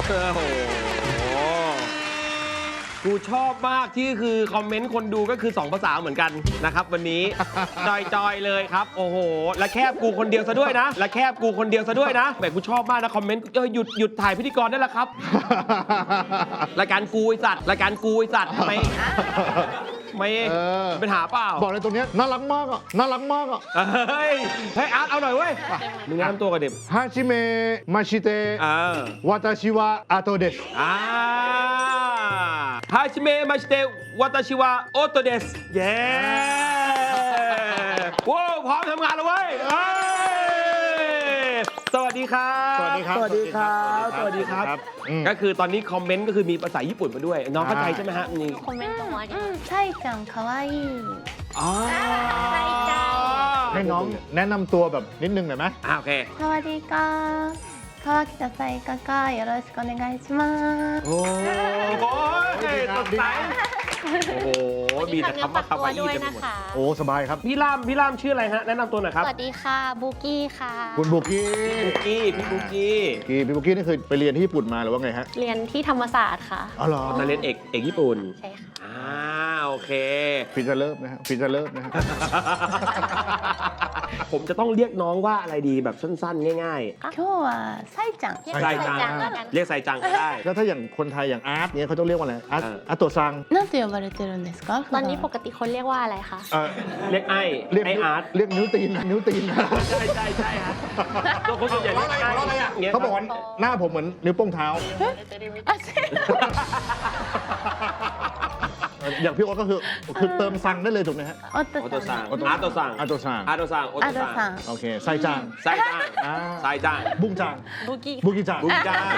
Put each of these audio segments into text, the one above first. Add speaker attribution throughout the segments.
Speaker 1: โอ้โหกูชอบมากที่คือคอมเมนต์คนดูก็คือ2ภาษาเหมือนกันนะครับวันนี้ จอยๆเลยครับโอ้โหและแคบกูคนเดียวซะด้วยนะและแคบกูคนเดียวซะด้วยนะแบบกูชอบมากนะคอมเมนต์หยุดถ่ายพิธีกรได้แล้วครับรายการกูไอสัตว์รายการกูไอสัตว์ทำไมไม่เป็นหาเปล่า
Speaker 2: บอกเลยตรงนี้น่ารักมากอ่ะน่ารักมากอ่ะ
Speaker 1: เฮ้ยอาร์ตเอาหน่อยเว้ยมึงแนะนำตัวกันเด็ก
Speaker 2: ฮาชิเมะมาชิเตะวาตาชิวะอาโตเดส
Speaker 1: はじめまして私はオットですเย้โว้พร้อมทำงานแล้วเว้ยสวัสดีครับ
Speaker 2: สวัสดีครับ
Speaker 1: สวัสดีครับสวัสดีครับก็คือตอนนี้คอมเมนต์ก็คือมีภาษาญี่ปุ่นมาด้วยน้องเข้าใจใช่ไหมฮะนี่
Speaker 3: คอมเมนต์ตรงว่าไซจังคาวาอิไซจัง
Speaker 2: ให้น้องแนะนำตัวแบบนิดนึงหน่อยไหม
Speaker 1: โอเค
Speaker 3: สวัสดีครับ川北ไซกากาよろしくお願いします
Speaker 1: โอ้โหสดใสโอ้โหมีแต่คำว่าคำว่าด้วยนะคะ
Speaker 2: โอ้สบายครับ
Speaker 1: พี่ล่ามชื่ออะไรฮะแนะนำตัวหน่อยครับ
Speaker 3: สวัสดีค่ะบุกี้ค่ะ
Speaker 2: คุณบุกี้
Speaker 1: พี่บุกี้
Speaker 2: นี่คือไปเรียนที่ญี่ปุ่นมาหรือว่าไงฮะ
Speaker 3: เรียนที่ธรรมศาสตร์ค่ะ
Speaker 2: อ๋อเหรอ
Speaker 1: มาเรียนเอกญี่ปุ่น
Speaker 3: ใช่ค่ะ
Speaker 1: โอเค
Speaker 2: ฟิจะเลิฟนะฮะฟิจะเลิฟนะฮะ
Speaker 1: ผมจะต้องเรียกน้องว่าอะไรดีแบบสั้นๆง่าย
Speaker 3: ๆ今日はไซจัง
Speaker 1: ไซจังเรียกไซจังก็ได้
Speaker 2: แล้วถ้าอย่างคนไทยอย่างอาร์ตเนี่ยเขาต้องเรียกว่าอะไรอาร์ตโตซัง
Speaker 3: なんて呼ばれてるんですかตอนนี้ปกติคนเรียกว่าอะไรคะ
Speaker 1: เรียกไออาร์ต
Speaker 2: เรียกนิ้วตีน
Speaker 1: ใช่ฮะตัวคนส่วนใหญ่เรียกไอ
Speaker 2: เขาบอกว่าหน้าผมเหมือนนิ้วโป้งเท้าอย่างพี่โอ๊ตก็คือเติมซังได้เลยถูกไหมฮะ
Speaker 1: อาร์ตซัง
Speaker 2: โอเคไซจังบุ้งจัง
Speaker 3: บุกี้
Speaker 1: จัง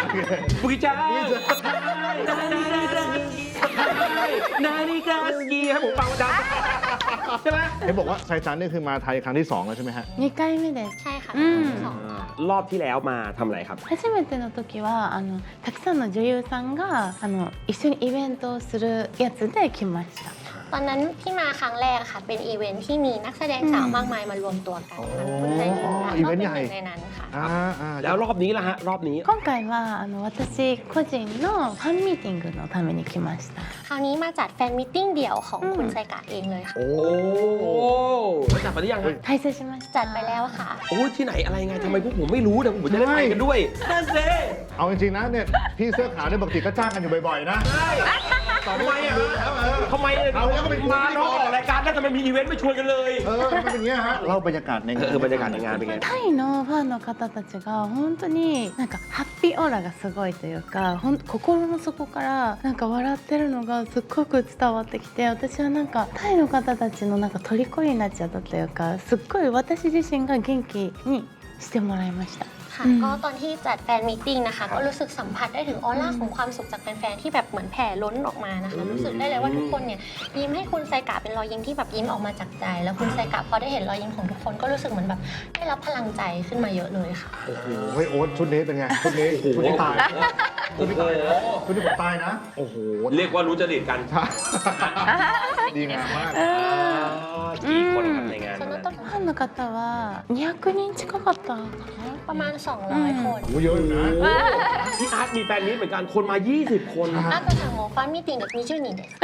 Speaker 1: นาฬิกาสกีให้ผมฟังจังใช่ไหม
Speaker 2: เห็นบอกว่าไซจังนี่คือมาไทยครั้งที่2แล้วใช่ไหมฮะ
Speaker 3: 2回目ですใช่ค่ะ
Speaker 1: รอบที่แล้วมาทำอะไรครับ
Speaker 3: 初めての時はたくさんの女優さんが一緒にイベントをするやつで来ましたตอนนั้นที่มาครั้งแรกค่ะเป็นอีเวนท์ที่มีนักแสดงสาวมากมายมารวมตัวกันคุณใจหญิงก็เป็นหนึ่งในนั้นค่ะ
Speaker 1: แล้วรอบนี้ล่ะฮะรอบนี้
Speaker 3: 今回は私個人のファンミーティングのために来ましたคราวนี้มาจัดแฟนมิทติ้งเดี่ยวของคุณไซกะเองเลยค่ะ
Speaker 1: โอ้จัดไปหรือยัง
Speaker 3: ไทยเซชิมาจัดไปแล้วค่ะ
Speaker 1: โอ้ที่ไหนอะไรไงทำไมพวกผมไม่รู้แต่ผมจะได้ไปกันด้วยนั่นสิ
Speaker 2: เอาจริงๆนะเนี่ยพี่เสื้อขาวเนี่ยปกติก็จ้างกันอยู่บ่อยๆนะ
Speaker 1: ทำไมเราก็เป็นมาเนาะออกรายการแล้วทำไมมีอีเวนต์ไม่ชวนกันเลย
Speaker 2: มันเป็นอย่างเงี้ยฮะเล่าบรรยากาศในงาน
Speaker 1: บรรยากาศในงานเป็นไง
Speaker 3: タイのファンの方たちが本当になんかハッピーオーラがすごいというか心の底からなんか笑ってるのがすっごく伝わってきて私はなんかタイの方たちのなんか虜になっちゃったというかすっごい私自身が元気にしてもらいましたก็ตอนที่จัดแฟนมีตติ้งนะคะก็รู้สึกสัมผัสได้ถึงออร่าของความสุขจากแฟนๆที่แบบเหมือนแผ่ล้นออกมานะคะรู้สึกได้เลยว่าทุกคนเนี่ยยิ้มให้คุณไซกะเป็นรอยยิ้มที่แบบยิ้มออกมาจากใจแล้วคุณไซกะพอได้เห็นรอยยิ้มของทุกคนก็รู้สึกเหมือนแบบได้รับพลังใจขึ้นมาเยอะเลยค่ะ
Speaker 2: โอ้โหโอ๊ตชุดนี้เป็นไงชุดนี้ตายชุดนี้ผมตายนะโอ้โห
Speaker 1: เรียกว่ารู้จริตกัน
Speaker 2: ดีงามมาก
Speaker 1: กี่คนในงาน
Speaker 3: その時ファンの方は200人近かったประมาณ200คน
Speaker 2: โอ้เยอะอยู่นะ
Speaker 1: พี่อาร์ตมีแฟนนี้เหมือนกันคนมา20คน
Speaker 3: あとさもうファンミーティング20人です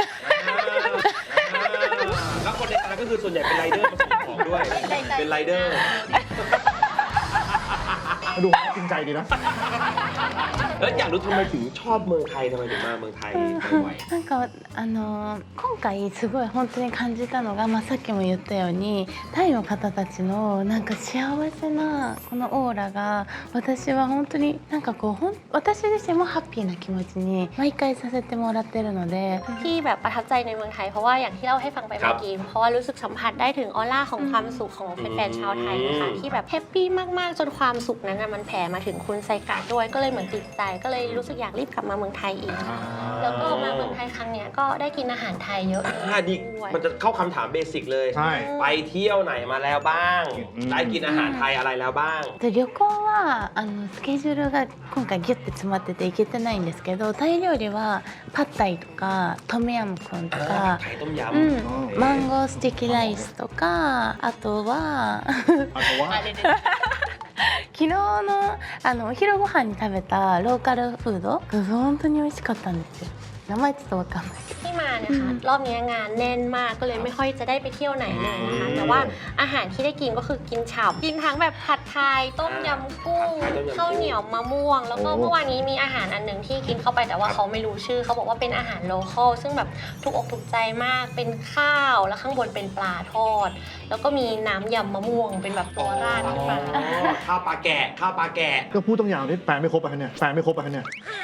Speaker 1: แล้วคนในงานก็คือส่วนใหญ่เป็นไรเดอร์มาส่งของด้วยเป็นไรเดอร์
Speaker 2: ดูจริงใจดีนะ
Speaker 1: แล้วอยากรู้ทำไมถึงชอบเมืองไทยทำไมถึงมาเมืองไทยบ่อย
Speaker 3: なんか今回すごい本当に感じたのが、さっきも言ったようにタイの方たちのなんか幸せなこのオーラが私は本当になんかこう私自身もハッピーな気持ちに毎回させてもらってるのでที่แบบประทับใจในเมืองไทยเพราะว่าอย่างที่เล่าให้ฟังไปเมื่อกี้เพราะว่ารู้สึกสัมผัสได้ถึงออร่าของความสุขของแฟนๆชาวไทยนะคะที่แบบแฮปปี้มากๆจนความสุขนั้นมันแผ่มาถึงคุณไซกะด้วยก็เลยเหมือนติดใจก็เลยรู้สึกอยากรีบกลับมาเมืองไทยอีกแล้วก็มาเมืองไทยครั้งนี้ก็ได้กินอาหารไทยเยอะ
Speaker 1: ดีมันจะเข้าคำถามเบสิกเลยไปเที่ยวไหนมาแล้วบ้างได้กินอาหารไทยอะไรแล้วบ้าง
Speaker 3: 旅行はスケジュールが今回ギュッて詰まってて行けてないんですけどタイ料理はパッタイとかトムヤムクンとかマンゴースティキライスとかあとは昨日のお昼ご飯に食べたローカルフードが本当に美味しかったんですよ。名前ちょっとわかんないけど。
Speaker 4: ที่มาเนี่ยค่ะรอบนี้งานแน่นมากก็เลยไม่ค่อยจะได้ไปเที่ยวไหนเลยนะคะแต่ว่าอาหารที่ได้กินก็คือกินฉ่ำกินทั้งแบบผัดไทยต้มยำกุ้งข้าวเหนียวมะม่วงแล้วก็เมื่อวานนี้มีอาหารอันหนึ่งที่กินเข้าไปแต่ว่าเขาไม่รู้ชื่อเขาบอกว่าเป็นอาหารโลคอลซึ่งแบบถูกอกถูกใจมากเป็นข้าวแล้วข้างบนเป็นปลาทอดแล้วก็มีน้ำยำมะม่วงเป็นแบบตัวราดขึ้นมา
Speaker 1: ข้าวปลาแกะข้าวปลาแกะ
Speaker 2: ก็พูดต้องยาวนี่แปลไม่ครบไปเนี่ยแปลไม่ครบไปเนี่ย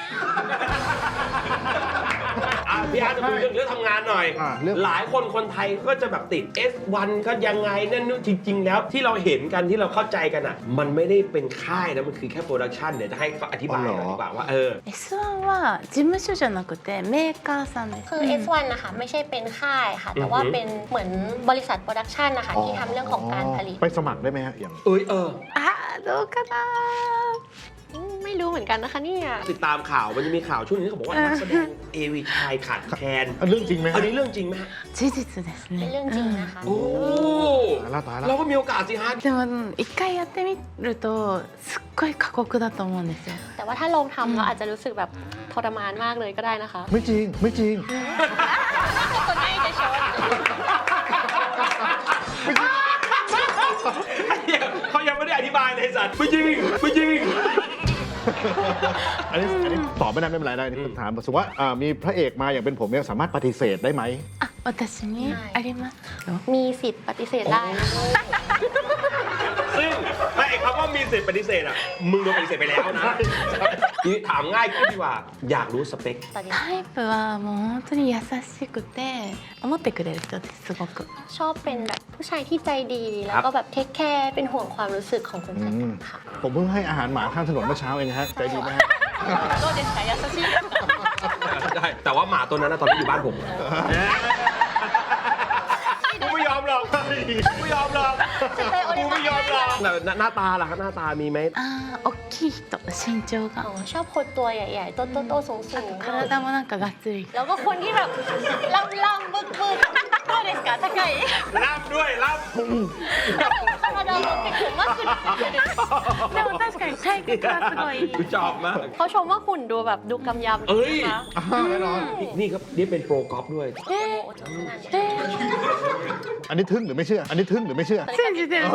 Speaker 1: พี่อาร์ตจะคุยเรื่องทำงานหน่อย หลายคนไทยก็จะแบบติด S1 ก็ยังไงนั่นนู่นจริง ๆ แล้วที่เราเห็นกันที่เราเข้าใจกันอ่ะมันไม่ได้เป็นค่ายนะมันคือแค่โปรดักชันเดี๋ยวจะให้เขาอธิบายหน่อยดีกว่าว่า
Speaker 3: S1 は事務所じゃなくてメーカーさんです。
Speaker 4: คือ S1 นะคะไม่ใช่เป็นค่ายค่ะแต่ว่าเป็นเหมือนบริษัทโปรดักชันนะคะที่ทำเรื่องของการผลิต
Speaker 2: ไปสมัครได้ไหมฮะอย่าง
Speaker 3: あどうかな。
Speaker 4: ไม่รู้เหมือนกันนะคะเนี่ย
Speaker 1: ติดตามข่าวมันจะมีข่าวช่วงนี้เขาบอกว่านักแสดงเอวีชายขาดแคลน
Speaker 2: เรื่องจริงไหม
Speaker 1: อันนี้เรื่องจริงไหมฮะ
Speaker 3: 事実です
Speaker 4: เป็น
Speaker 3: ね。
Speaker 4: เรื่องจริงนะคะ
Speaker 1: โอ้
Speaker 2: ตายแล้ว
Speaker 1: เราก็มีโอกาสสิฮะ
Speaker 3: でも一回やってみるとすっごい過酷だと思うんですよ。
Speaker 4: แต่ว่าถ้าลองทำเราอาจจะรู้สึกแบบทรมานมากเลยก็ได้นะคะ
Speaker 2: ไม่จริงไม่จริง
Speaker 4: คนไม่จะชด
Speaker 1: เขายังไม่ได้อธิบายเลยสัตว์ไม่จริงไม่จริง
Speaker 2: อันนี้ตอบไม่ได้ไม่เป็นไรได้นี่ถามสมมติว่ามีพระเอกมาอย่างเป็นผมเนี่ยสามารถปฏิเสธได้ไหม
Speaker 3: あ、私にありますよ。
Speaker 4: มีสิทธิ์ปฏิเสธได้นะคะ
Speaker 1: ซึ่งไอ้คำว่ามีสิทธิ์ปฏิเสธอ่ะมึงโดนปฏิเสธไปแล้วนะทีนี้ถามง่ายขึ้นดีกว่าอยากรู้สเปค
Speaker 3: タイプはもう本当に優しくて思ってくれる人ですすごく。
Speaker 4: ชอบเป็นแบบผู้ชายที่ใจดีแล้วก็แบบเทคแคร์เป็นห่วงความรู้สึกของคนอื่นค่ะ
Speaker 2: ผมเพิ่งให้อาหารหมาข้างถนนเมื่อเช้าเองฮะใจดีไหมฮะ
Speaker 4: どうですか優しいですか
Speaker 1: ได้แต่ว่าหมาตัวนั้นนะตอนนี้อยู่บ้านผมกูไม่ยอมหรอกกูไม่ยอมหรอกกูไม่ยอมหรอกหน้าตาล่ะครับหน้าตามีไหม
Speaker 3: あー、大きい人、身長
Speaker 4: อ๋อ
Speaker 3: が。
Speaker 4: ชอบคนตัวใหญ่ๆโตๆสูง
Speaker 3: 体もなんかがっつり。
Speaker 4: ๆแล้วก็คนที่แบบล่ำๆบึกๆどうですか高い
Speaker 1: ล่ำด้วยล่ำ
Speaker 4: 体を持ってくるマックス
Speaker 3: でも確かに体格はすごい。
Speaker 1: กูชอบมาก
Speaker 4: เขาชมว่าหุ่นดูแบบดูกำยำ
Speaker 1: เอ้ย
Speaker 4: นะคะ
Speaker 2: แน่นอน
Speaker 1: นี่ครับนี่เป็นโปรกอล์ฟด้วย
Speaker 2: อันนี้ทึ่งหรือไม่เชื่อ อันนี้ทึ่งหรือไม่เชื่อ
Speaker 3: 信じてる。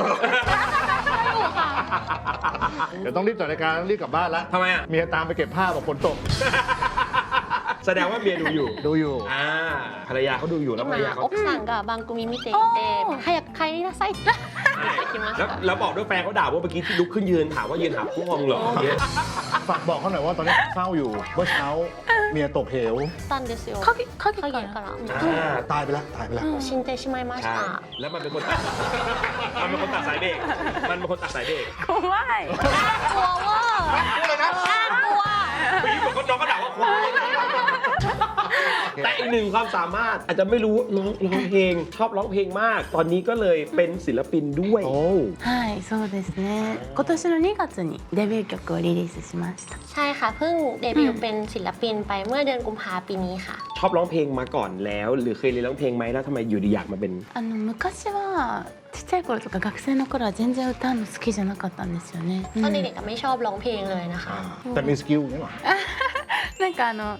Speaker 2: เดี๋ยวต้องรีบจัดรายการต้องรีบกลับบ้านละ
Speaker 1: ทำไมอ่ะ
Speaker 2: เมียตามไปเก็บผ้าบอกฝนตก
Speaker 1: แสดงว่าเมียดูอยู่
Speaker 2: ดูอยู่
Speaker 1: ภรรยาเขาดูอยู่แล้วภรรยาเขา
Speaker 4: 奥さんが番組見ていて早く帰りなさいって言ってきまし
Speaker 1: แล้ว
Speaker 4: た
Speaker 1: แล้วบอกด้วยแฟนเขาด่าว่าเมื่อกี้ที่ลุกขึ้นยืนถามว่ายืนหาพวกเหรอเนี่ย
Speaker 2: ฝากบอกเขาหน่อยว่าตอนนี้เศร้าอยู่ เมื่อเช้าเมียตกเหว
Speaker 4: たんですよ
Speaker 3: 影
Speaker 4: 影
Speaker 3: か。
Speaker 4: からら
Speaker 2: ตายไปแล้วตายไปแล้ว
Speaker 4: 死んでしまいまし
Speaker 1: ใช่
Speaker 4: た
Speaker 1: แล้วมันเป็นคนตัดสายเบรกมันเป็นคนตัดสายเบรก
Speaker 3: 怖い。
Speaker 4: กลัวว่าน่ากลัว
Speaker 1: เมื่อกี้บอกว่าน้องก็ด่าว่าควายแต่อีกหนึ่งความสามารถอาจจะไม่รู้ร้องเพลงชอบร้องเพลงมาก ตอนนี้ก็เลยเป็นศิลปินด้วย
Speaker 2: โอ้
Speaker 3: はい、そうですね。今年の2月にデビュー曲をリリースしました。
Speaker 4: ใช่ค่ะเพิ่งเดบิวต์เป็นศิลปินไปเมื่อเดือนกุมภาพันธ์ปีนี้ค่ะ
Speaker 1: ชอบร้องเพลงมาก่อนแล้ว หรือเคยเรียนร้องเพลงไหมแล้วทำไมอยู่ดีอยากมาเป็น
Speaker 3: 昔はちっちゃい頃とか学生の頃は全然歌うの好きじゃなかったんですよね。
Speaker 4: ตอนเด็กๆไม่ชอบร้องเพลงเลยนะคะ
Speaker 2: แต่มีสกิลนี่หรอ
Speaker 3: なんか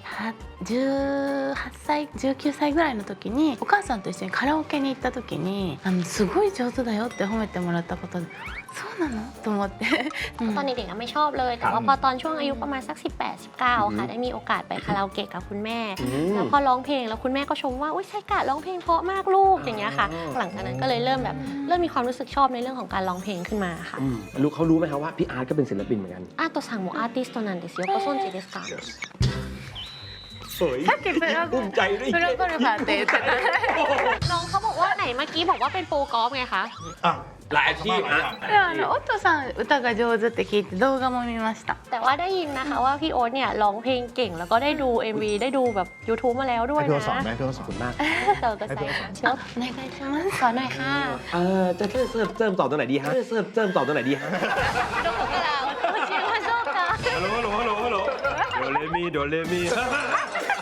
Speaker 3: 18歳19歳ぐらいの時にお母さんと一緒にカラオケに行った時にすごい上手だよって褒めてもらったことでそうなのと思って、
Speaker 4: ตอนเด็กๆไม่ชอบเลยแต่ว่าพอตอนช่วงอายุประมาณสัก18-19ค่ะได้มีโอกาสไปคาราโอเกะกับคุณแม่แล้วพอร้องเพลงแล้วคุณแม่ก็ชมว่าอุ้ยไซกะร้องเพลงเพราะมากลูกอย่างเงี้ยค่ะหลังจากนั้นก็เลยเริ่มมีความรู้สึกชอบในเรื่องของการร้องเพลงขึ้นมาค่ะ
Speaker 1: รู้เขารู้ไหมครับว่าพี่อาร์ตก็เป็นศิลปินเหมือนกัน
Speaker 4: อาโตซังโมอาร์ติสต์なんですよご存知ですか
Speaker 1: เฮ้ยภูมิใจด้วย
Speaker 3: プロゴルファーって言ってた。
Speaker 4: น้องเขาบอกว่าไหนเมื่อกี้บอกว่าเป็นโปรกอล์ฟไงคะ
Speaker 2: อ่ะ
Speaker 1: หลายอาชีพนะ
Speaker 3: でもオットさん歌が上手って聞いて動画も見ました。
Speaker 4: แต่ว่าได้ยินนะคะว่าพี่โอ๊ตเนี่ยร้องเพลงเก่งแล้วก็ได้ดู MV ได้ดูแบบ YouTube มาแล้วด้วย
Speaker 2: ให้พี่
Speaker 4: นะ
Speaker 2: เขาสอนไหมพี่เขาสอนมาก
Speaker 4: เจอกันใส่ค่ะเชิญ
Speaker 3: お願いします。
Speaker 4: สอนหน่อยค่ะ
Speaker 1: จะเริ่มต่อตรงไหนดีฮะเริ่มต่อตรงไหนดีฮะ
Speaker 4: どこから教えましょうか
Speaker 1: ฮัลโหลโดเรมี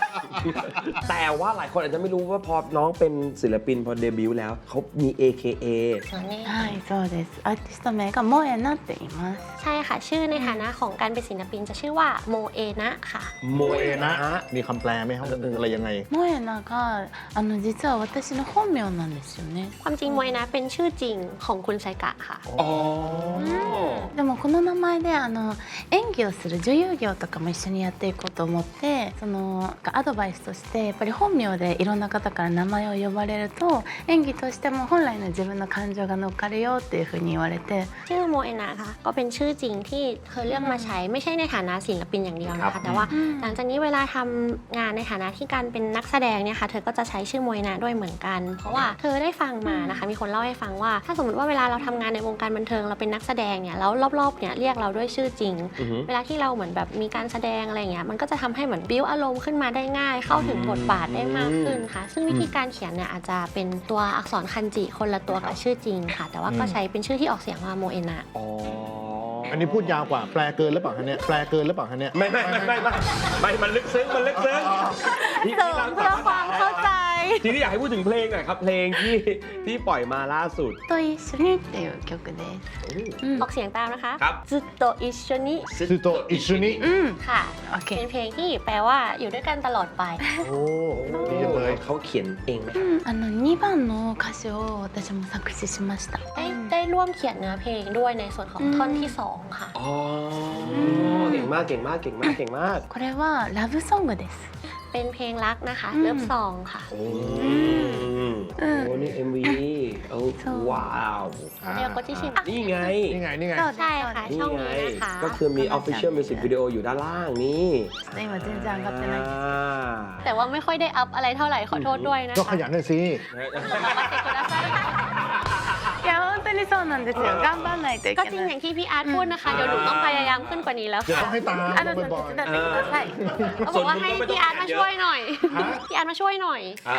Speaker 1: แต่ว่าหลายคนอาจจะไม่รู้ว่าพอน้องเป็นศิลปินพอเดบิวต์แล้วเขามี AKA
Speaker 4: ส่วนนี้
Speaker 3: はいそうですアーティスト名がモエナって言います
Speaker 4: ใช่ค่ะ ชื่อในฐานะของการเป็นศิลปินจะชื่อว่าโมเอนะค่ะ
Speaker 1: โม
Speaker 2: โม
Speaker 1: เอ
Speaker 2: เอ
Speaker 1: นะ
Speaker 2: นะมีคำแปลไหมครับอะไรยังไง
Speaker 3: モエナが実は私の本名なんですよね
Speaker 4: ความจริงโมเอนะเป็นชื่อจริงของคุณไซกะค่ะ
Speaker 1: อ๋อ
Speaker 3: でもこの名前で演技をする女優業とかも一緒にやっていこうと思ってアドバイスとしてやっぱり本名でいろんな方から名前を呼ばれると演技としても本来の自分の感情が乗っかるよっていうふうに言われて
Speaker 4: ชื่อโมเอนะค่ะก็เป็นชื่อจริงที่เธอเลือกมาใช้ไม่ใช่ในฐานะศิลปินอย่างเดียวนะคะแต่ว่าหลังจากนี้เวลาทำงานในฐานะที่การเป็นนักแสดงเนี่ยค่ะเธอก็จะใช้ชื่อโมเอนะด้วยเหมือนกัน เพราะว่าเธอได้ฟังมานะคะมีคนเล่าให้ฟังว่าถ้าสมมติว่าเวลาเราทำงานในวงการบันเทิงเราเป็นนักแสดงเนี่ยแล้วรอบๆเนี่ยเรียกเราด้วยชื่อจริง เวลาที่เราเหมือนแบบมีการแสดงอะไรเงี้ยมันก็จะทำให้เหมือนบิ้วอารมณ์ขึ้นมาได้ง่ายเข้าถึงบทบาทได้มากขึ้นค่ะซึ่งวิธีการเขียนเนี่ยอาจจะเป็นตัวอักษรคันจิคนละตัวกับชื่อจริงค่ะ แต่ว่าก็ใช้เป็นชื่อที่ออกเสียงว่าโมเอนะ
Speaker 1: อ๋อ
Speaker 2: อันนี้พูดยาวกว่าแปลเกินหรือเปล่าคะเนี่ยแปลเกินหรือเปล่าคะเนี่ย
Speaker 1: ไม่มันลึกซึ้งมันลึกซึ้ง
Speaker 3: เสริมเพื่อความเข้าใจ
Speaker 1: ทีนี้อยากให้พูดถึงเพลงหน่อยครับเพลงที่ปล่อยมาล่าสุด
Speaker 3: と一緒にっていう曲ですうん
Speaker 4: ออกเสียงตามนะคะ
Speaker 1: ครับ
Speaker 4: ずっと一緒に
Speaker 2: ซูโตอิชุนิ
Speaker 3: うん
Speaker 4: ค่ะ
Speaker 3: オッケ
Speaker 4: เป็
Speaker 3: ー
Speaker 4: นเพลงที่แปลว่าอยู่ด้วยกันตลอดไป
Speaker 2: โอ้ดีจังเลย
Speaker 1: เขาเขียนเองไหม
Speaker 3: 2番の歌詞を私も作詞しました。
Speaker 4: ได้ร่วมเขียนเนื้อเพลงด้วยในส่วนของท่อนที่ 2 ค่ะ
Speaker 1: อ๋อเก่งมากเก่งมากเก่งมากเก่งมาก
Speaker 3: これはラブソングです。
Speaker 4: เป็นเพลงรักนะคะเลิฟซองค่ะ
Speaker 1: โอ้โหนี่ MV โอ้ว้าว
Speaker 4: เรียกว่าที่ชิม
Speaker 1: นี่ไง
Speaker 2: นี่ไงนี่ไง
Speaker 4: ใช่ค่ะ
Speaker 1: นี่
Speaker 4: ช่อง
Speaker 1: ไง
Speaker 4: นี้นะคะ
Speaker 1: ก็คือมี official music video อยู่ด้านล่างนี่
Speaker 3: 今全然上がってないです。
Speaker 4: แต่ว่าไม่ค่อยได้อัพอะไรเท่าไหร่ขอโทษด้วยนะ
Speaker 2: ก็
Speaker 4: คะ
Speaker 2: ขยันหน่อยสิ
Speaker 3: いや本当にそうなんですよ。頑張らないとい
Speaker 4: ก็
Speaker 3: け
Speaker 4: จริง
Speaker 3: な
Speaker 4: อย ย่างที่พี่อาร์ตพูดนะคะ เดี๋ยวหนูต้องพยายามขึ้นกว่านี้แล้ว
Speaker 2: เดี๋ยว
Speaker 4: ค่ะ
Speaker 2: ต้องให้ตาม
Speaker 3: あの手
Speaker 2: บ่อย
Speaker 3: 伝ってください。
Speaker 4: เขาบอกว่าให้พี่อาร์ตมาช่วยหน่อย พี่อาร์ตมาช่วยหน่อย
Speaker 1: อ่ะ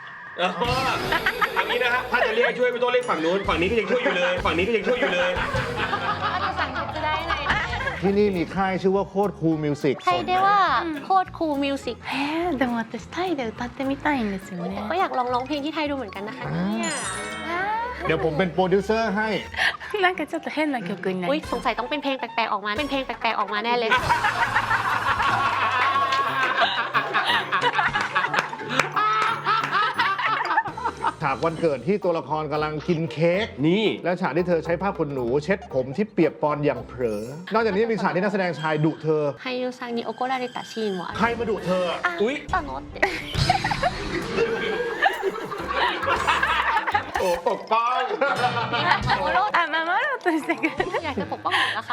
Speaker 1: อย่างนี้นะฮะถ้าจะเรียกช่วยไม่ต้องเรียกฝั่งนู้นฝั่งนี้ก็ยังช่วยอยู่เลยฝั่งนี้ก็ยังช่วยอยู่เลย
Speaker 4: อาจจะสั่งจะได้ไหน
Speaker 2: ๆที่นี่มีค่ายชื่อว่าโคตรคูลมิวสิก
Speaker 4: ไทยได้ว่าโคตรคูลมิวสิก
Speaker 3: でも私タイで歌ってみたいんですよね。
Speaker 4: ก็อยากลองร้องเพลงที่ไทยดูเหมือนกันนะคะเนี่ย
Speaker 2: เดี๋ยวผมเป็นโปรดิวเซอร์ให้
Speaker 3: なんかちょっと変な曲にな
Speaker 4: อุ้ย
Speaker 3: り
Speaker 4: สงสัยต้องเป็นเพลงแปลกๆออกมา เป็นเพลงแปลกๆออกมาแน่เลย
Speaker 2: ฉากวันเกิดที่ตัวละครกำลังกินเค้ก
Speaker 1: นี่
Speaker 2: และฉากที่เธอใช้ผ้าขนหนูเช็ดผมที่เปียกปอนอย่างเผลอ นอกจากนี้มีฉากที่นักแสดงชายดุเธอ
Speaker 4: ไฮยูซังนิโอโกราเรตะชินวะ
Speaker 2: ใครมาดุเธอ
Speaker 1: อุ๊ย
Speaker 4: ตอนโน้ต
Speaker 1: โอ้ปกป้อง
Speaker 3: あ守ろうとしてくれる。
Speaker 4: อยากจะปกป้องหนูนะคะ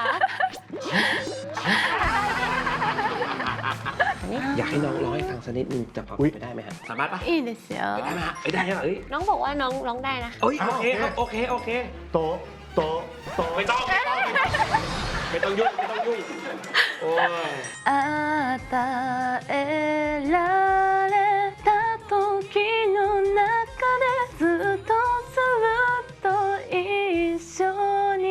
Speaker 1: อยากให้น้องร้องให้ฟังสักนิดนึงจะพอ
Speaker 2: อุ๊ย
Speaker 1: ไปได้ไหมฮะสามารถปะ
Speaker 3: いいですよ。
Speaker 1: ได้ไหมฮะได้เหรอเอ้ย
Speaker 4: น้องบอกว่าน้องร้องได้นะคะ
Speaker 1: โอเคครับโอเคโอเค
Speaker 2: โตะโตะโตะ
Speaker 1: ไม่ต้องไม่ต้องยุ่งไม่ต้องยุ่งโอ้ย
Speaker 3: 与えられた時の中でずっとずっと一緒に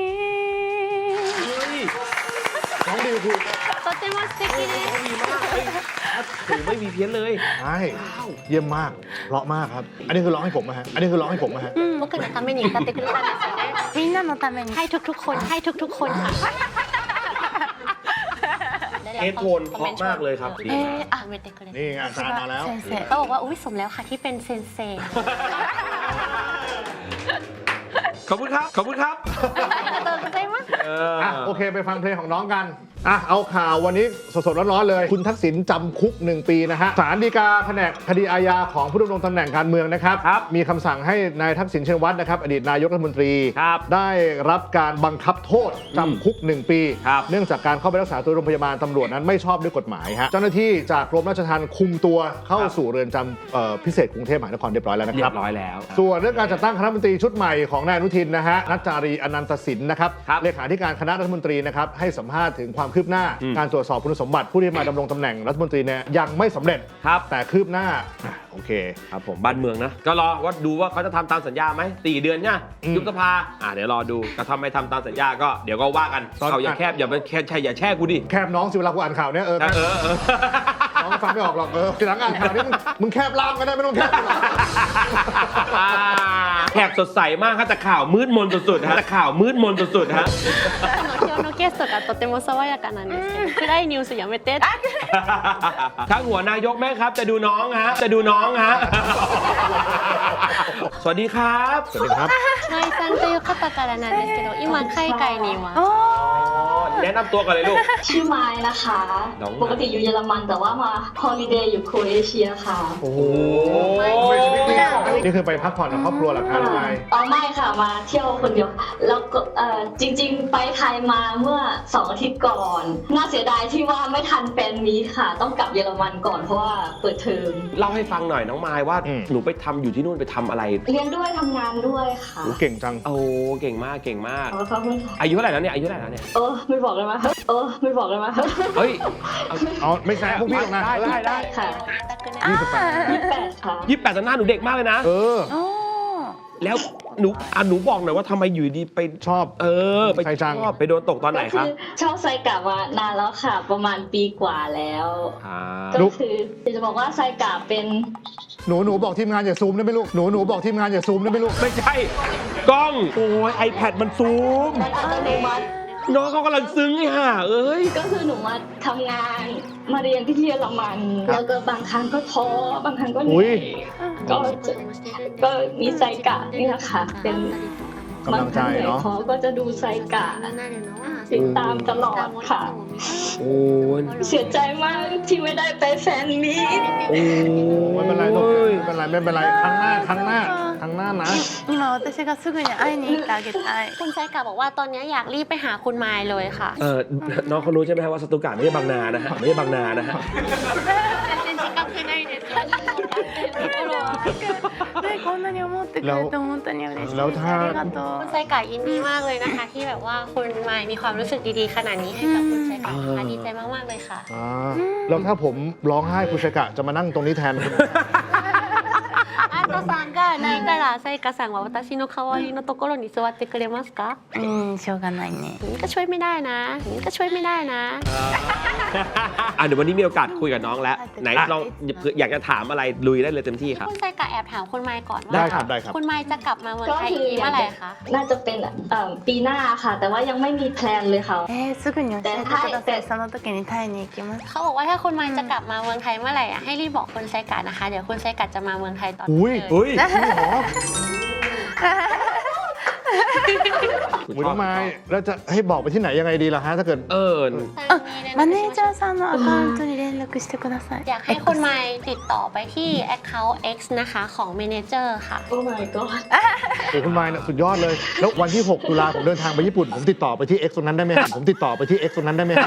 Speaker 2: น้องดิวคือ
Speaker 4: โตเตมอสเตกิเน
Speaker 1: ร้องดีมากเฮ้ยถูไม่มีเพี้ยนเลย
Speaker 2: ใช่เยี่ยมมาก เพราะมากครับ อันนี้คือร้องให้ผมนะฮะ อันนี้คือร้องให้ผมนะฮะ
Speaker 4: 僕のために歌ってくれたんですよね
Speaker 3: みんなのために
Speaker 4: ให้ทุกๆคนให้ทุกๆคนค่ะ
Speaker 1: เฮดโทนเพราะมากเลยครับดีมาก
Speaker 4: อ่ะเวทเกรด
Speaker 2: นี่อาจารย์มาแล้ว
Speaker 3: 先生
Speaker 4: เขาบอกว่าอุ้ยสมแล้วค่ะที่เป็นเซนเซ
Speaker 1: ขอบคุณครับขอบคุณครับ
Speaker 4: เติมใจมาก
Speaker 2: อ่ะโอเคไปฟังเพลงของน้องกันอ่ะเอาข่าววันนี้สดๆร้อนๆเลย คุณทักษิณจำคุก 1 ปีนะฮะศาลฎีกาแผนกคดีอาญาของผู้ดำรงตำแหน่งการเมืองนะครับ มีคำสั่งให้นายทักษิณชินวัตรนะครับอดีตนายกรัฐมนตรี
Speaker 1: ครับ
Speaker 2: ได้รับการบังคับโทษจำคุก 1 ปี
Speaker 1: ครับ
Speaker 2: เนื่องจากการเข้าไปรักษาตัวโรงพยาบาลตำรวจนั้นไม่ชอบด้วยกฎหมายฮะเจ้าหน้าที่จากกรมราชทัณฑ์คุมตัวเข้าสู่เรือนจำพิเศษกรุงเทพมหานครเรียบร้อยแล้วนะ
Speaker 1: เรี
Speaker 2: ค
Speaker 1: ย
Speaker 2: รับ
Speaker 1: บร้อยแล้ว
Speaker 2: ส่วนเรื่องการจัดตั้งคณะรัฐมนตรีชุดใหม่ของนายอนุทินนะฮะนัจจารีอนันตสินนะครับ
Speaker 1: ครับ
Speaker 2: เลขาธิการคณะรัฐมนตรีนะครับให้สัมภาษณ์ถึงความคืบหน้า การตรวจสอบคุณสมบัติผู้ที่มาดำรงตำแหน่งรัฐมนตรีเนี่ยยังไม่สำเร็จ
Speaker 1: ครับ
Speaker 2: แต่คืบหน้าโอเค
Speaker 1: ครับผมบ้านเมืองนะ ก็รอว่าดูว่าเขาจะทำตามสัญญาไหม4 เดือนเนี่ย
Speaker 2: อืม
Speaker 1: ยุบสภาเดี๋ยวรอดูก็ทำไม่ทำตามสัญญาก็เดี๋ยวก็ว่ากัน
Speaker 2: ตอน
Speaker 1: เขาอย่าแคบอย่าไปแค่อย่าแช่กูดิ
Speaker 2: แคบน้องสิเวลากูอ่านข่าวเนี่ย
Speaker 1: เออ
Speaker 2: น้องฟังไม่ออกหรอกทีหลังอ่านข่าวนี้มึงแคบล่ามก็ได้ไม่ต้องแคบหรอก
Speaker 1: แขกสดใสมากครับแต่ข่าวมืดมนสุดๆฮะแต่ข่าวมืดมนสุดๆฮะ
Speaker 4: 今日のゲストがとても爽やかなんですけど暗いニュースやめて
Speaker 1: ข้างหัวนายกแม่ครับจะดูน้องฮะจะดูน้องฮะ สวัสดีครับ
Speaker 2: สวัสดีครับ
Speaker 4: マイさんという方からなんですけど今海外にいます
Speaker 1: แนะนำตัวกันเลยลูก
Speaker 5: ชื่อไม้นะคะ
Speaker 1: น้องไม้
Speaker 5: ปกติอยู่เยอรมันแต่ว่ามาฮอลิเดย์อยู่โครเอเชียค่ะ
Speaker 2: โอ้โหนี่คือไปพักผ่อนกับครอบครัวเหรอคะน้องไมค์
Speaker 5: อ๋อไม่ค่ะมาเที่ยวคนเดียว แล้วก็จริงๆ ไปไทยมาเมื่อ2 อาทิตย์ก่อน น่าเสียดายที่ว่าไม่ทันแฟนมีตค่ะ ต้องกลับเยอรมันก่อนเพราะว่าเปิดเทอม
Speaker 1: เล่าให้ฟังหน่อยน้องมายว่าหนูไปทำอยู่ที่นู่นไปทำอะไร
Speaker 5: เรียนด้วยทำงานด้วยค่ะ
Speaker 2: โอ้เก่งจัง
Speaker 1: โอ้เก่งมากเก่งมาก
Speaker 5: ขอบคุณค่ะ
Speaker 1: อายุเท่าไหร่แล้วเนี่ยอายุเท่าไหร่แล้วเนี่ย
Speaker 5: ไม่บอกเลยมั้ยไม่บอกเลยมั้ย
Speaker 1: เฮ้ย
Speaker 2: เอาไม่แซะพวกพี่หรอกนะ
Speaker 1: ได้
Speaker 5: ค่ะ 28ค่ะ
Speaker 1: 28แต่หน้าหนูเด็กมากเลยนะ
Speaker 3: おー
Speaker 1: แล้วหนูบอกหน่อยว่าทำไมอยู่ดีไป
Speaker 2: ชอบ
Speaker 1: ไป
Speaker 2: ใครจัง
Speaker 1: ชอบไปโดนตกตอนไหน
Speaker 5: ก็
Speaker 1: ค
Speaker 5: คื
Speaker 1: รับ
Speaker 5: ชอบไซกะมานานแล้วค่ะ ประมาณปีกว่าแล้ว ก็คือจะบอกว่าไซกะเป็น
Speaker 2: หนูบอกทีมงานอย่าซูมได้ไหมลูกหนูบอกทีมงานอย่าซูมได้ไหมลูก
Speaker 1: ไม่ใช่กล้องโอ้ย iPad มันซูม
Speaker 5: มันอัตโนมัติ
Speaker 1: น้องเขากำลังซึ้งไอ้ห่าเอ้ย
Speaker 5: ก็คือหนูมาทำงานมาเรียนที่เยอรมัน แล้วก็บางครั้งก็ท้อบางครั้งก็เหนื่อยก็มีไซกะนี่แหละค่ะเป็น
Speaker 2: กำลังใจเนาะ
Speaker 5: ท้อก็จะดูไซกะติดตามตลอดค่ะ
Speaker 1: โอ้ย
Speaker 5: เสียใจมากที่ไม่ได้ไปแฟนมีต
Speaker 1: โอ้
Speaker 2: ไม่เป็นไรลูกไม่เป็นไรครั้งหน้านะ
Speaker 3: 今私がすぐに会いに行ってあげたい
Speaker 4: คุณไซกะบอกว่าตอนนี้อยากรีบไปหาคุณไมล์เลยค่ะ
Speaker 1: น้องเขารู้ใช่ไหมว่าสตูการ์ไม่ใช่บางนานะฮะไม่ใช่บางนานะฮะ
Speaker 3: ねこんなに思ってくれて本当に嬉しいです
Speaker 2: แล้วถ้า
Speaker 3: ありがと
Speaker 4: คุ
Speaker 3: う
Speaker 4: ณไซกะยินดีมากเลยนะคะ ที่แบบว่าคุณไมล์มีความรู้สึกดีๆขนาดนี้ให้กับคุณไซกะนะคะดีใจมากๆเลยค่ะ
Speaker 2: แล้วถ้าผมร้องไห้คุณชายกะจะมานั่งตรงนี้แทนคุณ
Speaker 4: アートさんが泣いたらさいかさんは私の代わりのところに座ってくれますか
Speaker 3: しょうがないね
Speaker 4: นี่ก็ช่วยไม่ได้นะนี่ก็ช่วยไม่ได้นะ
Speaker 1: เดี๋ยววันนี้มีโอกาสคุยกับน้องแล้วไหนลองอยากจะถามอะไรลุยได้เลยเต็มที่ครับ
Speaker 4: คุณไซกะแอบถามคุณไมค์ก่อน
Speaker 2: ได้
Speaker 4: ว่า
Speaker 2: ครับได้ครับ
Speaker 4: คุณไมค์จะกลับมาเมือง
Speaker 5: ก็
Speaker 4: ไทย
Speaker 5: คื
Speaker 4: อีกทีเมื่อไหร่คะ
Speaker 5: น่าจะเป็นปีหน้าค่ะ แต่ว่ายังไม่มีแพลนเลยค่ะ
Speaker 3: すぐに教えてくださいその時にタイに行きます
Speaker 4: เขาบอกว่าถ้าคุณไมค์จะกลับมาเมืองไทยเมื่อไหร่อะให้รีบบอกคุณไซกะนะคะเดี๋ยวคุณไซกะจะมาเมืองไทยตอนนี้
Speaker 2: อุ้ย
Speaker 4: เลย
Speaker 1: อุ้ย
Speaker 2: น้องไม้แล้วจะให้บอกไปที่ไหนยังไงดีล่ะฮะถ้าเกิด
Speaker 3: マネージャーさんのアカウントに連絡してください
Speaker 4: อยากให้คุณไมค์ติดต่อไปที่ Account X นะคะของ Manager ค่ะ
Speaker 5: โอ้ my god
Speaker 2: โอ้คุณไม้เนี่ยสุดยอดเลย แล้ววันที่ 6 ตุลาผมเดินทางไปญี่ปุ่น ผมติดต่อไปที่ X ตรงนั้นได้ไหมผมติดต่อไปที่ X ตรงนั้นได้ไหม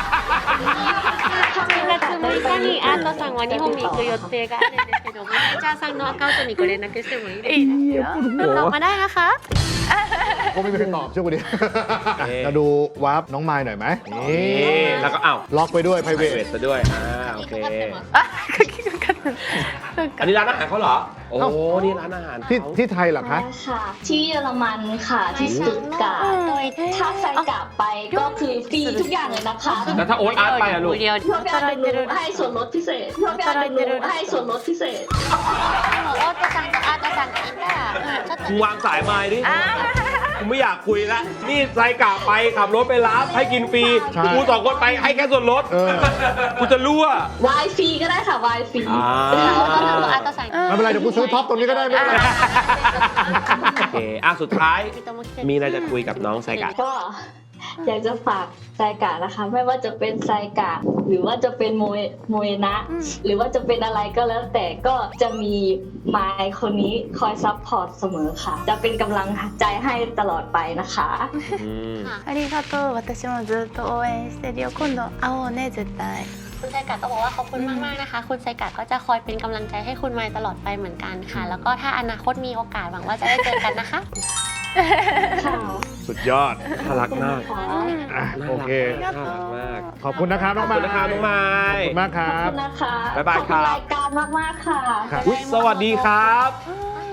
Speaker 4: 4月6日にアートさんは日本に行く予定があるんですけどマネージャーさんのアカウントにご連絡してもいいですかติดต่อมาได้นะคะ
Speaker 2: ก็ไม่มีใครตอบเชื่อกูดิมาดูวาร์ปน้องไม้หน่อยไหมนี่
Speaker 1: แล้วก็
Speaker 2: ล็อกไปด้วย
Speaker 1: ไพรเว
Speaker 2: private
Speaker 1: ทซะด้วยโอเค
Speaker 3: 鍵かかったそうか
Speaker 1: อันนี้ร้านอาหารเขาเหรอโอ้นี่ร้านอาหารเขา
Speaker 2: ที่ไทยเหรอคะ
Speaker 5: ค่ะ ที่เยอรมันค่ะ ที่สตุตการ์ตถ้าไซกะไปก็คือฟรีทุกอย่างเลยนะคะ
Speaker 1: แล้วถ้าโอ๊ตอาร์ตไปอะลูก
Speaker 4: เดียว
Speaker 5: เพื่อการดูให้ส่วนลดพิเศษเพื่อการดูให้ส่วนลดพิเศษ
Speaker 4: でもオートさんとアートさんがいたらちょっと
Speaker 1: มึงวางสายไม้ดิกูไม่อยากคุยละนี่ไซกะไปขับรถไปรับให้กินฟรี
Speaker 2: ใช่
Speaker 1: กู2 คนไปให้แค่ส่วนลด กูจะรั่ว
Speaker 5: วายฟรีก็ได้ค่ะวายฟรี
Speaker 4: オートさんとアートさん
Speaker 2: ไม่เป็นไรเดี๋ยวกูซื้อท็อปตรงนี้ก็ได้ไม่เป็นไร
Speaker 1: โอเคสุดท้ายมีอะไรจะคุยกับน้องไซกะ
Speaker 5: ก็อยากจะฝากไซกะนะคะ ไม่ว่าจะเป็นไซกะหรือว่าจะเป็นโมเอนะ หรือว่าจะเป็นอะไรก็แล้วแต่ก็จะมีไมค์คนนี้คอยซัพพอร์ตเสมอค่ะ จะเป็นกำลังใจให้ตลอดไปนะคะ
Speaker 3: ありがとう私もずっと応援してるよ今度会おうね絶対
Speaker 4: คุณไซกะก็บอกว่าขอบคุณมากๆนะคะ คุณไซกะก็จะคอยเป็นกำลังใจให้คุณไมค์ตลอดไปเหมือนกันค่ะ แล้วก็ถ้าอนาคตมีโอกาสหวังว่าจะได้เจอกันนะคะ
Speaker 5: ค่ะ
Speaker 2: สุดยอด
Speaker 1: น่ารักมาก
Speaker 2: โอเค
Speaker 1: น่ารักมาก
Speaker 2: ขอบคุณนะครับน้อง
Speaker 1: ข
Speaker 2: ไม้
Speaker 1: อบคุณนะครับน้องไม้
Speaker 2: ขอบคุณมากค
Speaker 5: ขอบ
Speaker 2: รับ
Speaker 5: คุณนะคะ
Speaker 1: บ๊ายบายครับ
Speaker 5: ขอบคุณรายการมากๆค่ะ
Speaker 2: ครับ
Speaker 1: อุ๊ยสวัสดีครับ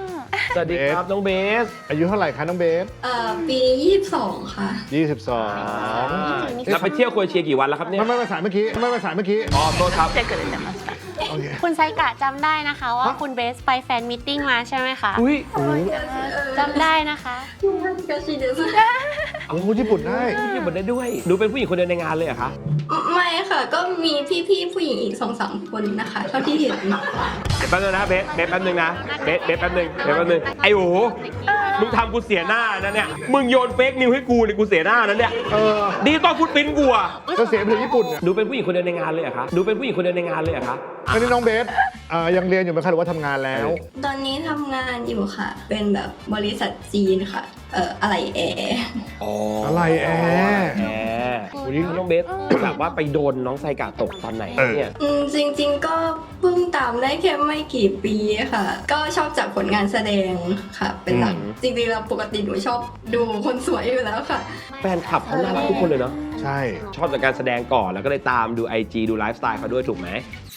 Speaker 1: สวัสดีครับน้องเบส
Speaker 2: อายุเท่าไหร่คะน้องเบส
Speaker 5: ปีนี้22 ค่ะ
Speaker 2: 22
Speaker 1: แล้วไปเที่ยวโครเอเชียกี่วันแล้วครับเนี่ย
Speaker 2: ไม่ภาษาเมื่อกี้ไม่ภาษาเมื่อกี้
Speaker 1: อ๋อโทษครับ
Speaker 3: 来てくれてました
Speaker 2: โอเค
Speaker 4: คุณไซกะจำได้นะคะว่าคุณเบสไปแฟนมิทติ้งมาใช่ไหมคะ
Speaker 1: อุ้ย
Speaker 4: จำได้นะคะ
Speaker 5: ก็ชิเดส
Speaker 2: โอ้โหญี่ปุ่นได้
Speaker 1: พี่บนได้ด้วยหนูเป็นผู้หญิงคนเดียวในงานเลยเหรอคะ
Speaker 5: ไม่ค่ะ ก็มีพี่ๆผู้หญิงอีก 2-3 คนนะคะเท่าที่เห็น
Speaker 1: เดี๋ยวแป๊บนึงนะเบสแป๊บนึงนะเบสแป๊บนึงไอ้โอ้มึงทำกูเสียหน้านะเนี่ยมึงโยนเฟกนิวให้กูเนี่ยกูเสียหน้านะเนี่ย ดีตอนฟุตปิ้นกูอะ
Speaker 2: ก็เสียไปถึงญี่ปุ่นเนี่ย
Speaker 1: หนูเป็นผู้หญิงคนเดียวในงานเลยเหรอคะหนูเป็นผู้หญิงคนเดียวในงานเลยเหรอคะ
Speaker 2: อันนี้น้องเบสยังเรียนอยู่ไหมคะหรือว่าทำงานแล้ว
Speaker 5: ตอนนี้ทำงานอยู่ค่ะ เป็นแบบบริษัทจีนค่ะ อะไรแอร์
Speaker 2: อะไรแอร์
Speaker 1: แหมวันนี้น้องเบสแบบว่าไปโดนน้องไซกะตกตอนไหนเนี่ย
Speaker 5: จริงๆก็เพิ่งตามได้แค่ไม่กี่ปีค่ะ ก็ชอบจากผลงานแสดงค่ะ เป็นหลัก จริงๆแล้วปกติหนูชอบดูคนสวยอยู่แล้วค่ะ
Speaker 1: แฟนคลับเขาน่ารักทุกคนเลยเนาะ
Speaker 2: ใช่
Speaker 1: ชอบจากการแสดงก่อนแล้วก็เลยตามดู IG ดูไลฟ์สไตล์เขาด้วยถูกไหม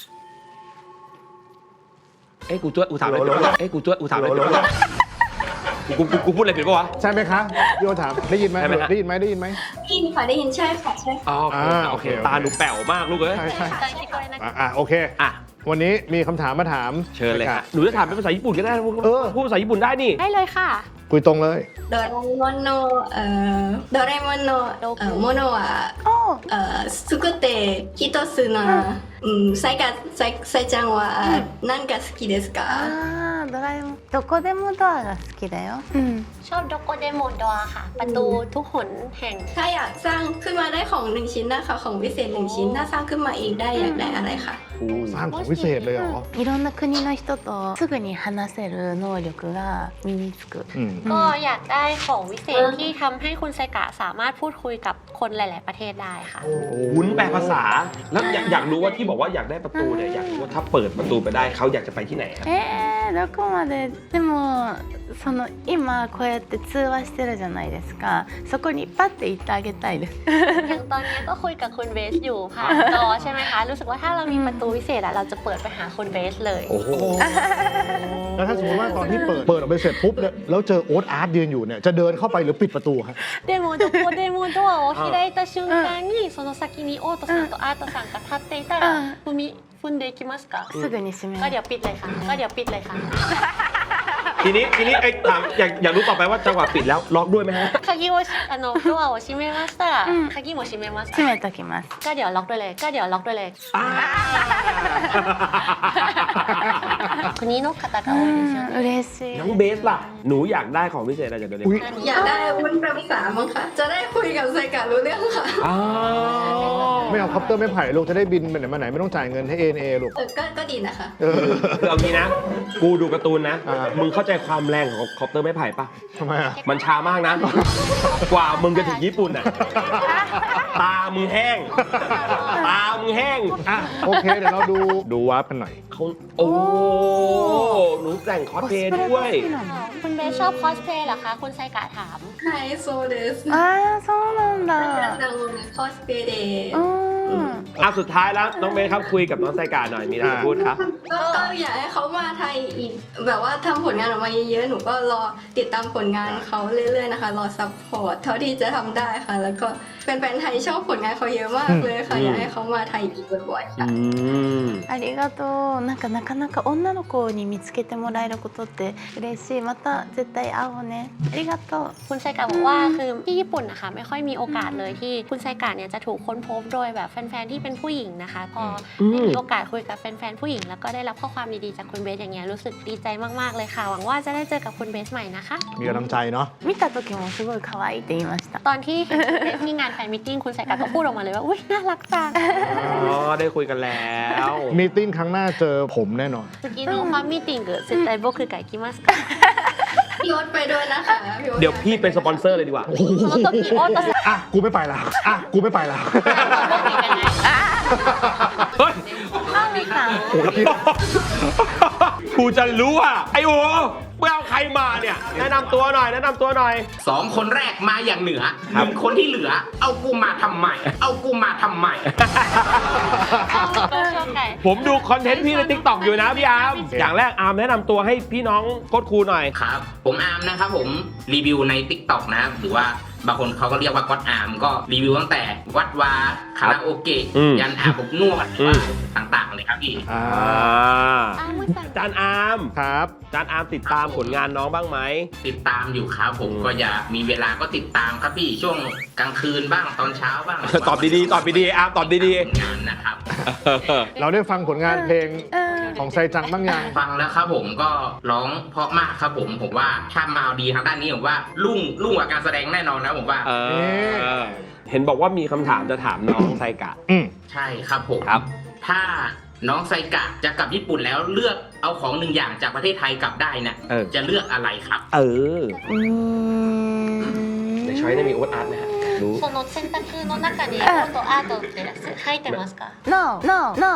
Speaker 1: เอ้ยกูช่วยกูถามอะไรผิดปะเอ้ยกูช่วยกูถามอะไรผิดปะกูพูดอะไรผิดปะวะ
Speaker 2: ใช่ไหมคะพี่โอถามได้ยินไหม
Speaker 1: ใช่ไหมฮะ
Speaker 2: ได้ยินไหมได้ยินไหม
Speaker 5: ได้ยินค่ะได้ยินใช่ค่ะใช่ค่ะ
Speaker 1: อ๋อโอเคตาหนูแป๋วมากลูกเอ้ย
Speaker 2: ใช่ใช่
Speaker 4: ใจคิดด้วยนะคะ
Speaker 2: โอเค
Speaker 1: อ่ะ
Speaker 2: วันนี้มีคำถามมาถาม
Speaker 1: เชิญเลยฮะหนูจะถามเป็นภาษาญี่ปุ่นก็ได้ พูดภาษาญี่ปุ่นได้นี่
Speaker 4: ได้เลยค่ะ
Speaker 2: คุยตรงเลย
Speaker 5: โดเรมอนโนโดเรมอนโนโมโนะ
Speaker 3: お
Speaker 5: 作って一つのさいちゃんは何が好きですか
Speaker 3: ドラえもんどこでもドアが好きだようん
Speaker 4: ชอบโดโกเดโมดอค่ะ ประตูทุกหนแห่ง
Speaker 5: ถ้าอยากสร้างขึ้นมาได้ของ1ชิ้นนะคะของวิเศษ1ชิ้นถ้าสร้างขึ้นมาเองได้อยากได้อะไรคะ
Speaker 2: สร้างของวิเศษเลยเหรอ
Speaker 3: いろんな国の人とすぐに話せる能力が身につく
Speaker 2: อืม
Speaker 4: ก็อยากได้ของวิเศษที่ทำให้คุณไซกะสามารถพูดคุยกับคนหลาย ๆ ประเทศได้ค่ะ
Speaker 1: วุ้นแปลภาษา แล้วอยากรู้ว่าที่บอกว่าอยากได้ประตูเนี่ยอยากรู้ว่าถ้าเปิดประตูไปได้เขาอยากจะไปที่ไหนครับ
Speaker 3: どこまででも今こうやって通話してるじゃないですかそこにパッて行ってあげたいです
Speaker 4: อย่างตอนนี้ก็คุยกับคุณเบสอยู่ผ่านจอใช่ไหมคะ รู้สึกว่าถ้าเรามีประตูวิเศษอะเราจะเปิดไปหาคุณเบสเลย
Speaker 1: โอ้โห
Speaker 2: แล้วถ้าสมมติว่าตอนที่เปิดออกไปเสร็จปุ๊บเนี่ยแล้วเจอโอ๊ตอาร์ตยืนอยู่เนี่ยจะเดินเข้าไปหรือปิดประตูครับ
Speaker 4: でもどこでもドアを開いた瞬間にその先にオートさんとアートさんが立っていたら踏んでいきますか
Speaker 3: すぐに閉め
Speaker 4: ก็
Speaker 3: ます
Speaker 4: เดี๋ยวปิดเลยค่ะก็เดี๋ยวปิดเลยค่ะ
Speaker 1: ทีนี้ไอ้ถามอยากรู้ต่อไปว่าจังหวะปิดแล้วล็อกด้วยไหมฮะ
Speaker 4: 鍵をドアを閉めましたら鍵も閉めます
Speaker 3: 閉めときます
Speaker 4: ก็เดี๋ยวล็อกด้วยเลยก็เดี๋ยวล็อกด้วยเลยคนนี้นกคาตาคาโอเดช
Speaker 3: 嬉しい
Speaker 1: น้องเบสล่ะหนูอยากได้ของพิเศษอะไรจากเดลิ
Speaker 2: อุ๊ย
Speaker 5: อยากได้วุ้นแปลภาษามั้งคะจะได้คุยกับไซกะรู้เรื่องค่ะ
Speaker 1: อ๋อ
Speaker 2: ไม่เอาคอปเตอร์ไม่ไผ่ลูกจะได้บินไปไหนมาไหนไม่ต้องจ่ายเงินให้ ANA ลูก
Speaker 5: ก็ดีนะคะ
Speaker 1: คือเอางี้นะ กูดูการ์ตูนนะ
Speaker 2: อ่ามึ
Speaker 1: มึงเข้าใจความแรงของคอปเตอร์ไม้ไผ่ปะ
Speaker 2: ทำไมอ่ะ
Speaker 1: มันช้ามากนะ กว่ามึงจะถึงญี่ปุ่นอ่ะ ตามึงแห้ง ตามึงแห้ง
Speaker 2: อ่ะโอเคเดี๋ยวเราดูวาร์ปกันหน่อย
Speaker 1: เขาโอ้ หนูแต่งคอสเพลย์ด้วย
Speaker 4: คุณเบสชอบคอสเพลย์เหรอคะคุณไซกะถาม
Speaker 5: ไฮโซเดส
Speaker 3: ああそうなんだ
Speaker 5: ดังคอสเพย์เดย์
Speaker 1: อ่ะสุดท้ายแล้วน้องเบสครับคุยกับน้องไซกาหน่อยมีอะไรจะพูดครับ
Speaker 5: ก็อยากให้เขามาไทยอีกแบบว่าทำผลงานออกมาเยอะๆหนูก็รอติดตามผลงานเขาเรื่อยๆนะคะรอซัพพอร์ตเท่าที่จะทำได้ค่ะ แล้วก็แฟนๆไทยชอบผลงานเขาเยอะมากเลยค่ะ อยากให้เขามาไทยอีกบ่อยๆค่ะ
Speaker 3: ありがとうなかなか女の子に見つけてもらえることって嬉しいまた絶対会おうねありがとう
Speaker 4: คุณไซกะบอกว่าคือที่ญี่ปุ่นนะคะไม่ค่อยมีโอกาสเลยที่คุณไซกะเนี่ยจะถูกค้นพบโดยแบบแฟนๆที่เป็นผู้หญิงนะคะ พอได้มีโอกาสคุยกับแฟนๆผู้หญิงแล้วก็ได้รับข้อความดีๆจากคุณเบสอย่างเงี้ยรู้สึกดีใจมากๆเลยค่ะ หวังว่าจะได้เจอกับคุณเบสใหม่นะคะ
Speaker 2: มีกำลังใจเนาะ
Speaker 3: 見た時もすごい可愛いって言いました
Speaker 4: ตอนที่เห็นคุณเบสที่งานแฟนมิทติ้งคุณไซกะก็พูดออกมาเลยว่าอุ้ยน่ารักจัง
Speaker 1: อ๋อ ได้คุยกันแล้ว
Speaker 2: มีติ้งครั้งหน้าเจอผมแน่นอน
Speaker 4: 次のファンミーティング絶対僕が行きますか
Speaker 5: พี่โอ๊ตไปด้วยนะคะพี่โอ๊ต
Speaker 1: เดี๋ยวพี่เป็นสปอนเซอร์เลยดีกว่า
Speaker 4: その時オートさん
Speaker 2: อ่ะกูไม่ไปแล้วกูไม่ไปแล้ว
Speaker 4: 僕行かない
Speaker 1: เฮ้ย
Speaker 3: マミさん
Speaker 2: โอ้ย
Speaker 1: กูจะรู้อ่ะไอ้โอ้เมื่อเอาใครมาเนี่ยแนะนำตัวหน่อยแนะนำตัวหน่อย
Speaker 6: 2 คนแรกมาอย่างเหนือ1 คนที่เหลือ เอากูมาทำไม เอากูมาทำไม
Speaker 4: ก็ชอบไก่
Speaker 1: ผมดูคอนเทนต์พี่ใน TikTok อยู่นะพี่อาร์มอย่างแรกอาร์มแนะนำตัวให้พี่น้องโค้ชครูหน่อย
Speaker 6: ครับ ผมอาร์มนะครับผมรีวิวใน TikTok นะครับหรือว่าบางคนเขาก็เรียกว่าก็อดอาร์มก็รีวิวตั้งแต่วัดวาคาราโอเกะ
Speaker 1: อืม
Speaker 6: ยันอาบอบนวดหรือว่าต่างๆเลยครับพี่
Speaker 2: อ่า
Speaker 4: อ้าวมือสั่น
Speaker 1: จานอาร์ม
Speaker 2: ครับ
Speaker 1: จานอาร์มติดตามผลงานน้องบ้างไหม
Speaker 6: ติดตามอยู่ครับผมก็อย่ามีเวลาก็ติดตามครับพี่ช่วงกลางคืนบ้างตอนเช้าบ้าง
Speaker 1: ตอบดีๆตอบดีๆอาร์มตอบดี
Speaker 6: ผลงานนะครับ
Speaker 1: ๆ
Speaker 2: เราได้ฟังผลงานเพลง
Speaker 3: うん。
Speaker 2: ของไซจังบ้างยัง
Speaker 6: ฟังแล้วครับผมก็ร้องเพราะมากครับผมว่าถ้ามาดีทางด้านนี้ผมว่ารุ่งกว่าการแสดงแน่นอนนะผมว่า
Speaker 1: เห็นบอกว่ามีคำถามจะถามน้องไซกะ
Speaker 2: อืม
Speaker 6: ใช่ครับผม
Speaker 1: ครับ
Speaker 6: ถ้าน้องไซกะจะกลับญี่ปุ่นแล้วเลือกเอาของ1 อย่างจากประเทศไทยกลับได้เนี่ย
Speaker 1: เออ
Speaker 6: จะเลือกอะไรครับ
Speaker 1: ในช้อยได้มีโอ๊ตอาร์ตนะฮะรู้
Speaker 4: その選択の中にコントアートって入ってますか
Speaker 3: No, no, no.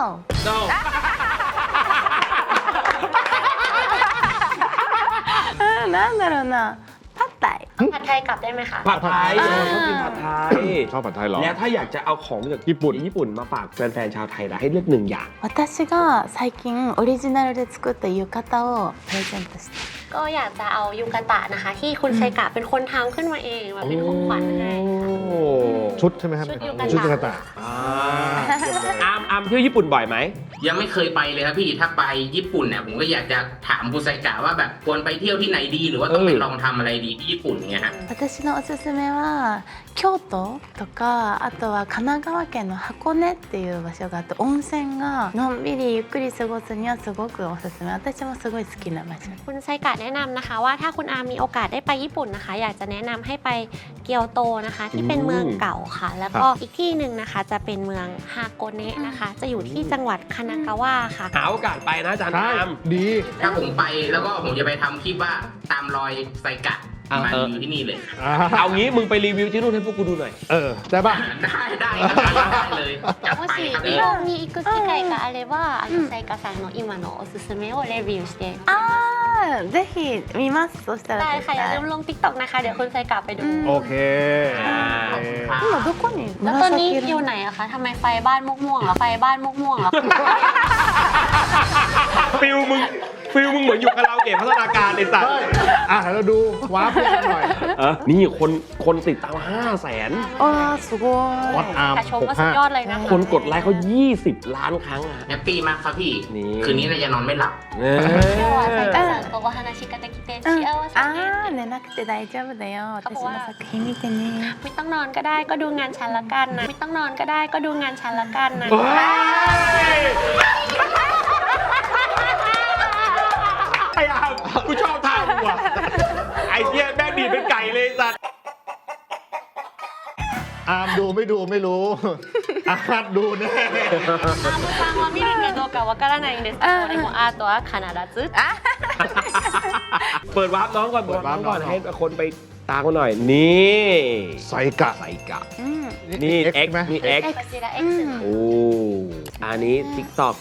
Speaker 3: なんだろうな。パッタイ。
Speaker 4: ผัดไทยกลับได้ไหมคะ
Speaker 1: ผัดไทย
Speaker 3: อ่า
Speaker 1: ชอบกินผัดไทย
Speaker 2: ชอบผัดไทยเหรอ
Speaker 1: แล้วถ้าอยากจะเอาของจากญี่ปุ่นมาฝากแฟนๆชาวไทยนะให้เลือก1 อย่าง
Speaker 3: 私が最近オリジナルで作った浴衣をプレゼントして。
Speaker 4: ก็อยากจะเอายูกาตะนะคะ ที่คุณไซกะเป็นคนทำขึ้นมาเองแบบเป็นของขวัญให้
Speaker 2: ชุดใช่ไหมครับ
Speaker 4: ชุดยูกาตะ
Speaker 2: ชุดยูกาตะ
Speaker 1: อาร์มเที่ยวญี่ปุ่นบ่อยไหม
Speaker 6: ยังไม่เคยไปเลยครับพี่ถ้าไปญี่ปุ่นเนี่ยผมก็อยากจะถามคุณไซกะว่าแบบควรไปเที่ยวที่ไหนดีหรือว่าต้องไปลองทำอะไรดีที่ญี่ปุ่นเนี่ยฮะ
Speaker 3: 私のおすすめは京都とかあとは神奈川県の箱根っていう場所があって温泉がのんびりゆっくり過ごすにはすごくおすすめ私もすごい好きな場所
Speaker 4: คุณไซกะแนะนำนะคะว่าถ้าคุณอามีโอกาสได้ไปญี่ปุ่นนะคะ อยากจะแนะนำให้ไปเกียวโตนะคะ ที่เป็นเมืองเก่าค่ะ แล้วก็อีกที่หนึ่งนะคะจะเป็นเมืองฮาโกเนะนะคะ จะอยู่ที่จังหวัดคานากาวะค่ะ
Speaker 1: หาโอกาสไปนะจาน
Speaker 2: ใช่
Speaker 1: อาร์ม
Speaker 2: ดี
Speaker 6: ถ้าผมไปแล้วก็ผมจะไปทำคลิปว่าตามรอยไซกะมา
Speaker 1: เออ
Speaker 6: อยู่ที่นี่เลย
Speaker 1: เอางี้มึงไปรีวิวที่นู่นให้พวกกูดูหน่อย
Speaker 2: ได้ป่ะ
Speaker 6: ได้ครับได้เลยจัด
Speaker 4: も
Speaker 6: ไป
Speaker 4: し
Speaker 6: ครับ
Speaker 4: 日
Speaker 6: พี่
Speaker 4: 本に行く機会があれば、サイカさんの今のおすすめをレビューして
Speaker 3: あーぜひ見ますそしたら
Speaker 4: ได้
Speaker 3: 絶
Speaker 4: ค่ะอย่าลื
Speaker 3: 対
Speaker 4: มลง TikTok นะคะ เดี๋ยวคุณไซกะไปดู
Speaker 2: โอเค
Speaker 6: ขอบคุณครับ
Speaker 3: 今どこに
Speaker 4: แล้วตอนนี้
Speaker 3: 紫
Speaker 4: อยู่
Speaker 3: 色
Speaker 4: ไหนอะคะทำไมไฟบ้านมุกม่วงเหรอ ไฟบ้านมุกม่วงเหรอ
Speaker 1: ฟิลมึงเหมือนอยู่คาราโอเกะพัฒนาการในสัตว์
Speaker 2: เราดูวาร์ปให้หน่อย
Speaker 1: นี่คนติดตาม 500,000
Speaker 3: あーすご
Speaker 2: วัด
Speaker 3: い
Speaker 2: อาร์ม
Speaker 4: แต่ชมว่าสุดยอดเลยนะคะ
Speaker 1: คนกดไลค์เขา20 ล้านครั้งอะ
Speaker 6: แฮปปี้มากครับพี่
Speaker 1: นี่
Speaker 6: คืนนี้น่าจะนอนไม่หลับ
Speaker 4: 今日はサイカさんとお話ができて幸せ
Speaker 3: あ
Speaker 4: ね
Speaker 3: ー寝なくて大丈夫だよ私の作品見てね
Speaker 4: ไม่ต้องนอนก็ได้ก็ดูงานฉันละกันนะ ไม่ต้องนอนก็ได้ก็ดูงานฉันละกันนะ
Speaker 1: เฮ้ยไอ้อาร์มกูชอบท่ามึงว่ะไอ้เหี้ยแม่งดีดเป็นไก่เลยสัตว์
Speaker 2: อาร์มดูไม่ดูไม่รู้ อาร์ตดูแน่
Speaker 4: アームさんは見るかどうかわからないんですけどでもアートは必ず
Speaker 1: เปิดวาร์ปน้องก่อน
Speaker 2: เปิดวาร์ป
Speaker 1: ก่อน
Speaker 2: น้อง
Speaker 1: ให้คนไปตามกันหน่อย นี่
Speaker 2: ไซกะ
Speaker 1: ไซกะ
Speaker 3: うん
Speaker 1: นี่
Speaker 2: X ไหม
Speaker 1: นี่ X
Speaker 4: こちら X の
Speaker 1: โอ้อันนี้ TikTok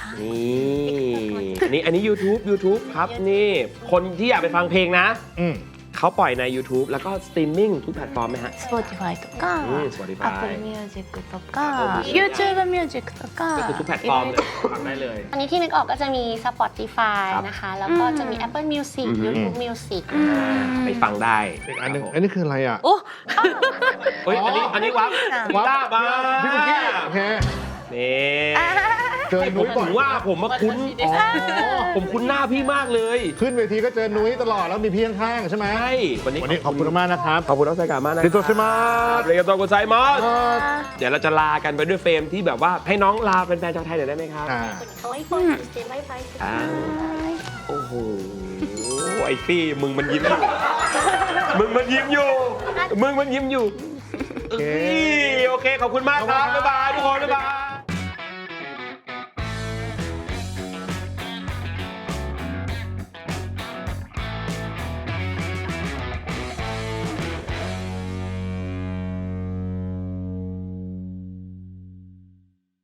Speaker 1: นี่อันนี้ YouTube ครับนี่ คนที่อยากไปฟังเพลงนะ
Speaker 2: อืม
Speaker 1: เขาปล่อยใน YouTube แล้วก็สตรีมมิ่งทุกแพลตฟอร์มไหมฮะ
Speaker 3: Spotify とか
Speaker 1: Spotify
Speaker 3: Apple Music とか
Speaker 1: Apple
Speaker 3: YouTube Music とか
Speaker 1: ก็คือทุกแพลตฟอร์มเลยฟังได้เลย
Speaker 4: อันนี้ที่นึกออกก็จะมี Spotify
Speaker 1: ครับ
Speaker 4: นะคะ แล้วก็จะมี Apple Music
Speaker 1: อืม
Speaker 4: YouTube Music
Speaker 1: ไปฟังได้
Speaker 2: อีกอันหนึงอันนี้คืออะไรอ่ะ
Speaker 4: โอ้
Speaker 1: เฮ้ยอันนี้วับ
Speaker 2: วับ
Speaker 1: ลาบมา
Speaker 2: พี่กุ๊กกี้โอเค
Speaker 1: นี่
Speaker 2: เจอ
Speaker 1: ผ
Speaker 2: นุ้
Speaker 1: ม
Speaker 2: ยบ่
Speaker 1: ถึ
Speaker 2: อย
Speaker 1: งว่าผมมาคุ้นผมคุ้นหน้าพี่มากเลย
Speaker 2: ขึ้นเวทีก็เจอนุ้ยตลอดแล้วมีพี่ข้างๆใช่ไหม
Speaker 1: ใช่วันนี้
Speaker 2: วันนี้ขอบคุณมากนะครับ
Speaker 1: ขอบคุณน้องไซกามากนะ
Speaker 2: ติโตชิมา
Speaker 1: เรียกตัวกุไซมอสเดี๋ยวเราจะลากันไปด้วยเฟรมที่แบบว่าให้น้องลาเป็นแฟนชาวไทยหน่อยได้ไหมครับ
Speaker 4: 可愛い声してバイバイして
Speaker 1: อ่าโอ้โหไอ้ฟี่มึงมันยิ้มอยู่มึงมันยิ้มอยู่โอเคขอบคุณมากครับบ๊ายบายทุกคนบ๊ายบาย